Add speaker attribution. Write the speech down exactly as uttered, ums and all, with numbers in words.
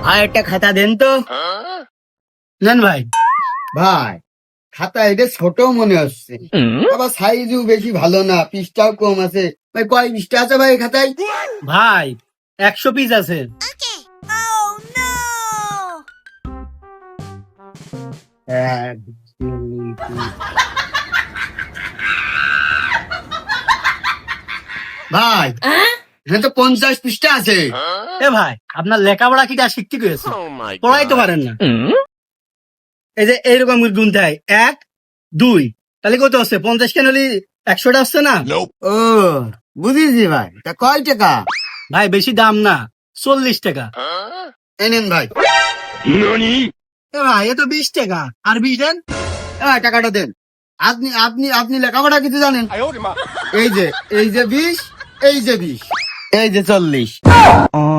Speaker 1: আর একটা খাতা দেন তো।
Speaker 2: নেন ভাই।
Speaker 1: ভাই খাতা এটা ছোট মনে হচ্ছে, আবার সাইজও বেশি ভালো না, পিসটাও কম আছে। ভাই কয় পিসটা আছে ভাই খাতায়?
Speaker 2: ভাই একশো পিস আছে।
Speaker 1: এক, দুই, তিন। ভাই এখানে তো পঞ্চাশ পৃষ্ঠা আছে।
Speaker 2: এ ভাই আপনার লেখাপড়া কিটা শিখতে গেছে, পড়াই তো পারেন না। এই যে এইরকম গুনতে হয়, এক দুই, তাহলে কত হচ্ছে? পঞ্চাশ কেন হলে একশোটা হচ্ছে না?
Speaker 1: ও বুঝেছি ভাই, তা কয় টাকা?
Speaker 2: ভাই বেশি দাম না, চল্লিশ টাকা।
Speaker 1: এই নেন ভাই।
Speaker 2: এ ভাই এ তো বিশ টাকা, আর বিশ দেন।
Speaker 1: হ্যাঁ টাকাটা দেন। আপনি আপনি আপনি লেখাপড়া কিছু জানেন? এই যে এই যে বিশ, এই যে বিশ, এই যে চল্লিশ।